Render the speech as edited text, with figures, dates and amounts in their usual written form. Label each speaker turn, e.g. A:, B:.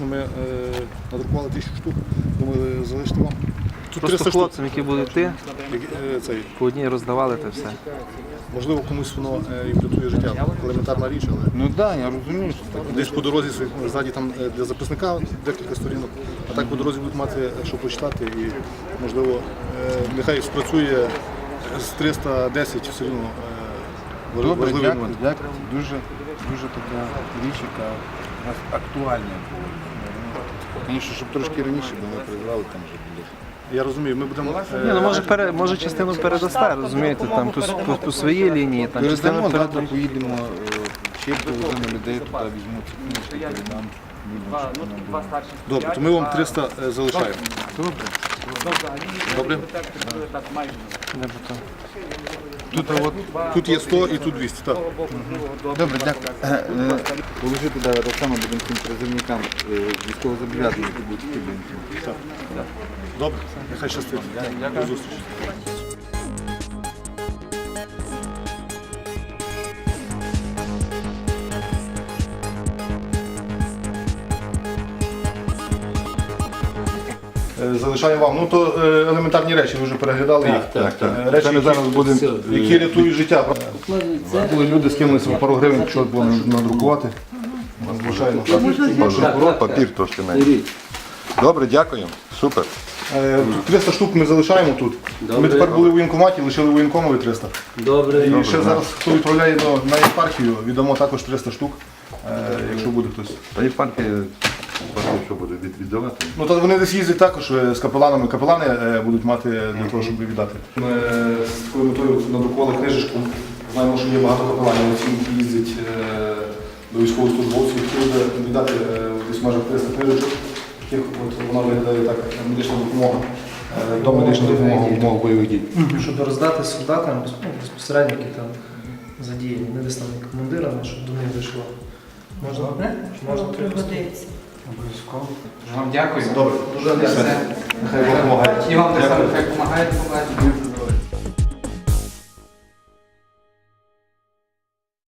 A: ми надрукували 1000 штук, думали залишити вам. Тут
B: Просто
A: 300
B: хлопцям, які будуть йти,
A: Цей,
B: по одній роздавали те все.
A: можливо, комусь воно і врятує життя. Елементарна річ, але
C: Ну так, я розумію, що так.
A: десь по дорозі ззаді там для записника декілька сторінок, а так по дорозі будуть мати, що прочитати і, можливо, нехай спрацює з 310 все одно
C: Добре,
A: важливий
C: дякую,
A: момент.
C: дякую. Дуже така річ, яка у нас актуальна була. Звісно, щоб трошки раніше би ми призвали, там вже буде.
A: Я розумію, ми будемо...
B: Ні, ну може частину передасте, розумієте, там по своїй лінії, там частину
C: Передамо, завтра
B: передамо.
C: поїдемо, ще половину людей туди візьмуть, передам.
A: Добре, то ми вам 300 залишаємо.
C: Добре.
A: Добре? Тут є 100 і тут 200, так.
C: Добре, дякую. Положити так само будемо цим призовникам військовозобов'язаних, які будуть йти.
A: Добре, нехай щастить. До зустрічі. Залишаю вам. Ну то елементарні речі, ви вже переглядали їх. Речі,
C: Це ми зараз будемо...
A: які рятують життя. Були люди, скинулися пару гривень, якщо було надрукувати. Звичайно.
D: Папір трошки менше. Добре, дякую. Супер.
A: Тут 300 штук ми залишаємо тут. Ми тепер були в воєнкоматі, лишили воєнкомові 300.
E: Добре.
A: І ще зараз, хто відправляє на єпархію, віддамо також 300 штук, якщо буде хтось.
D: Та і панки, що буде віддавати.
A: Ну, то вони десь їздять також з капеланами. Капелани будуть мати для того, щоб віддати. Ми з такою метою надрукували книжечку. Знаємо, що є багато капеланів, які їздять до військовослужбовців, які буде віддати десь майже 300 книжечок. Таких от вона виглядає так, медична допомога, до медичної допомоги в умовах бойових дій.
F: Щоб роздати солдатам безпосередньо, які там задіяні, не десь там командирами, щоб до них дійшло. Можна? Можна
E: Обов'язково. Вам дякую.
A: Добре, дуже дякую. Нехай Бог допомагає.
E: І вам так само, хай допомагає.